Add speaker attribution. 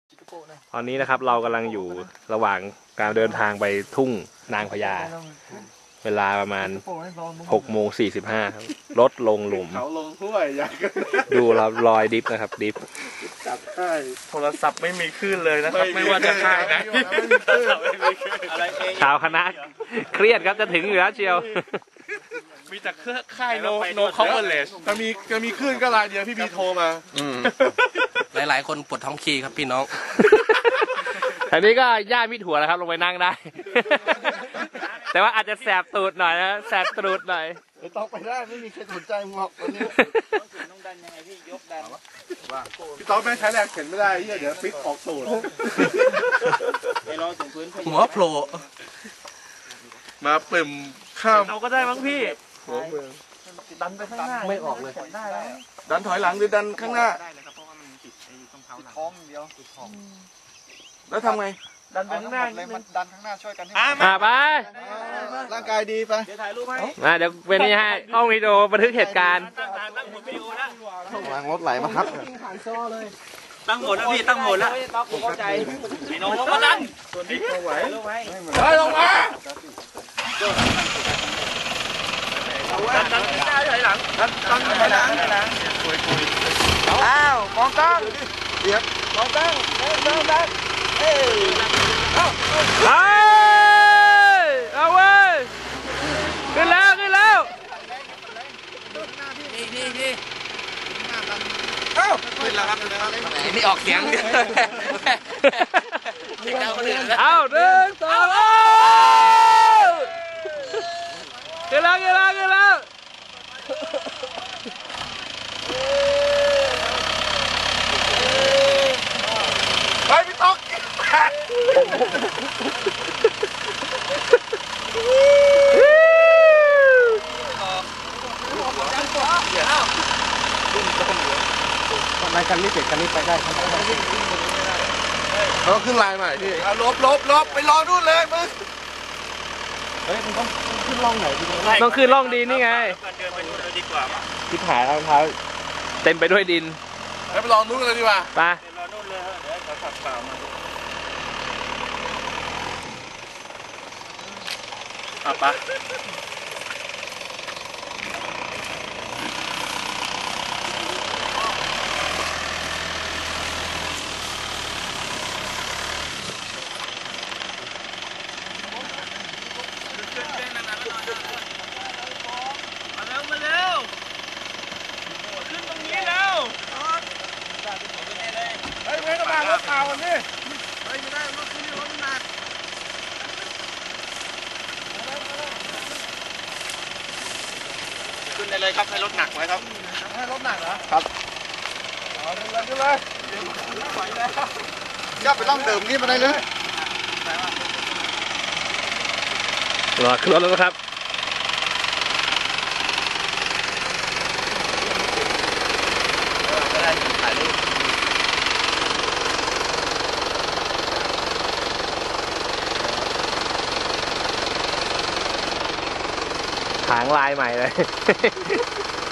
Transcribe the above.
Speaker 1: ตอนนี้นะครับเรากำลังอยู่ระหว่างการเดินทางไปทุ่งนางพญาเวลาประมาณ6:45ครับรถลงหลุม
Speaker 2: เขาลงห้วยอยากกัน
Speaker 1: ดูครับรอยดิฟนะครับดิฟ
Speaker 2: จับได้
Speaker 3: โทรศัพท์ไม่มีคลื่นเลยนะครับไม่ว่าจะค่ายไหน
Speaker 2: อะไรเอง
Speaker 1: ชาวคณะเครียดครับจะถึงอยู่แล้วเชียว
Speaker 3: มีแต่เครือค่ายโนคอมเวอร์เลส
Speaker 2: จะมีคลื่นก็รายเดียวพี่บีโทรมา
Speaker 4: หลายๆคนปวดท้องคีครับพี่น้อง
Speaker 1: อันนี้ก็ย่ามิดหัวแล้วครับลงไปนั่งได้ แต่ว่าอาจจะแสบตูดหน่อยนะแสบตูดหน่อย
Speaker 2: ไม่ต้องไปได้ไม่มีใครสนใจมึงหรอกวันนี้
Speaker 5: ต้องดันยังไงพี่ยกดัน
Speaker 2: พี่ต๊อบแม่งใช้แรงเข็นไม่ได้เดี๋ยวฟิตออกสูตร
Speaker 5: ไปรอถึงพื้น
Speaker 4: หัวโผล่
Speaker 2: มาเปิ่มข้าม
Speaker 3: เอาก็ได้มั้งพี่
Speaker 2: หัวเมือง
Speaker 3: ดันไปข้างหน้า
Speaker 4: ไม่ออกเลย
Speaker 3: ได้แล้ว
Speaker 2: ดันถอยหลังหรือดันข้างหน้า
Speaker 5: ได้เลยครับเพราะว่ามันติดไอ้ตรงเท้าหลังท้องเดียวติดท้อง
Speaker 2: แล้วทำไง
Speaker 3: ดันไปข้างหน้า
Speaker 5: เลยมันดันข้างหน้าช่วยกันให้
Speaker 1: ไป
Speaker 2: ร่างกายดีไป
Speaker 5: เดี๋ยวถ่ายรูปให้
Speaker 1: มาเดี๋ยวเป็นนี่ให้กล้องวิดีโอบันทึกเหตุการณ์
Speaker 5: ตั้งหมดวิดีโอแล้ว
Speaker 2: วางรถไหลมาครับ
Speaker 5: ตั้งหมดแล้วพี่ตั้งหมดแล้วต้องเข้าใจไอ้น้องลงมาดันส่วนนี้ไหวลงไหม
Speaker 2: ได้ลงมา
Speaker 5: ดันหน้าถอยหลังดันถอยหลังอ้าวมองกล้อง
Speaker 2: เดี๋ยว
Speaker 5: มองกล้องดันเอ้ย
Speaker 1: เอาเว้ยขึ้นแล้วขึ้นแล้ว
Speaker 4: นี่
Speaker 2: เอ้า
Speaker 4: นี่ออกเสียงเสียงดังคนอื่นแล้ว
Speaker 1: เอา1 2ขึ้นแล้วขึ้นแล้วขึ้นแล้ว
Speaker 2: ไปพี่ต๊อก
Speaker 4: ทำไมคันนี้เสร็จคันนี้ไปได้คันนี้
Speaker 2: เราขึ้นลายใหม่พี่ลบไปรอนู่นเลยมึง
Speaker 1: ต้องขึ้นร่องดินนี่ไง
Speaker 3: เดินไปดูเลยดีกว่า
Speaker 1: ที่ผายรองเท้าเต็มไปด้วยดิน
Speaker 2: ไปลองนู่นเลยดีกว่า
Speaker 1: ไป
Speaker 3: รอนู่นเลยเดี๋ยวเขาขับเปล่ามาอ่ะปะ มาเร็วขึ้นตรงนี้แล้ว
Speaker 2: เฮ้ยไม่ต้องมารถเปล่าวันนี้
Speaker 5: ขึ้นได้เลยครับให้รถหนักไว้ครับ
Speaker 2: ให้รถหนักเหรอครับเอาขึ้นเลยย่าไปล่องเดิมนี่มาได้เลย
Speaker 1: รอขึ้นรถแล้วนะครับหางลายใหม่เลย